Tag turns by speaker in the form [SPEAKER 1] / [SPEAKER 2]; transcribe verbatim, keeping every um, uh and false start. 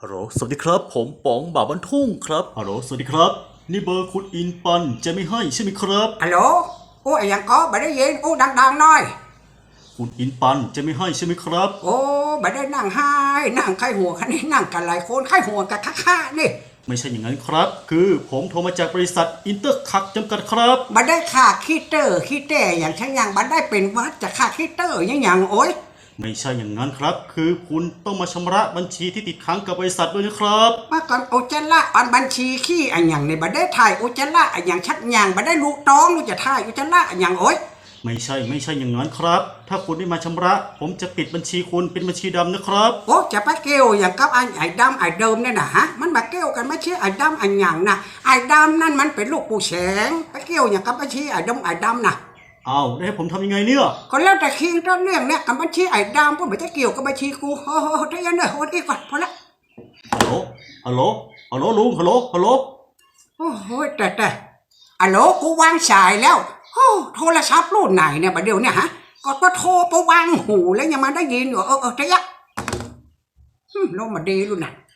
[SPEAKER 1] ฮัลโหลสวัสดีครับผมป๋องบ่าวบ้านทุ่งครับฮัลโหลสวัสดีครับนี่เบอร์คุณอินปันจะไม่ให้ใช่ไหมครับ
[SPEAKER 2] ฮัลโหลโอ้ยยังก็ไม่ได้ยินโอ้ดังๆหน่อย
[SPEAKER 1] คุณอินปันจะไม่ให้ใช่ไหมครับ
[SPEAKER 2] โอ้ไม่ได้นั่งไห้นั่งไข้หัวคันนี้นั่งกันหลายคนไข้หัวกันค่าๆนี่
[SPEAKER 1] ไม่ใช่อย่างนั้นครับคือผมโทรมาจากบริษัทอินเตอร์คักจำกัดครับ
[SPEAKER 2] ไม่ได้ค่าคีเตอร์คีเตอร์อย่างฉันยังไม่ได้เป็นวัดจะค่าคีเตอร์ยังอย่างโอ้ย
[SPEAKER 1] ไม่ใช่อย่างนั้นครับคือคุณต้องมาชำระบัญชีที่ติดค้างกับบริษัทด้วยนะครับ
[SPEAKER 2] มาก่อนโอเจล่าอันบัญชีขี้อันอย่างในบัได้ถ่ายโอเจล่าอันอย่างชัดอย่างบัได้ลูกต้องลูกจะถ่ายโอเจล่าอันอย่างโอ้ย
[SPEAKER 1] ไม่ใช่ไม่ใช่อย่างนั้นครับถ้าคุณไม่มาชำระผมจะปิดบัญชีคุณเป็นบัญชีดำนะครับ
[SPEAKER 2] โอ้จะไปเกี่ยวอย่างกับไอ้ไอ้ดำไอ้เดิมเนี่ยนะฮะมันมาเกี่ยวกันไม่ใช่ไอ้ดำไอ้อย่างนะไอ้ดำนั่นมันเป็นลูกปู่แสงไปเกี่ยวอย่างกับบัญชีไอ้ดำไอ้ดำนะ
[SPEAKER 1] เอาได้ให้ผมทำยังไงเนี่ย
[SPEAKER 2] ก็แล้วแต่คิงต้นเรื่องเนี่ยกับบัญชีไอ้ดำก็ไม่ได้เกี่ยวกับบัญชีกูโอ้โหได้ยังเนี่ยโอ้ดีก่อนพอละ
[SPEAKER 1] ฮัลโหลฮัลโหลฮัลโหลลุงฮัลโหลฮัลโหล
[SPEAKER 2] โอ้โหแต่แต่ฮัลโหลกูวางสายแล้วโอ้โทรศัพท์รุ่นไหนเนี่ยบัดเดี๋ยวเนี่ยฮะก็ก็โทรไปวางหูแล้วยังมาได้ยินอยู่เออเออได้ยะลงมาดีรุ่นน่ะ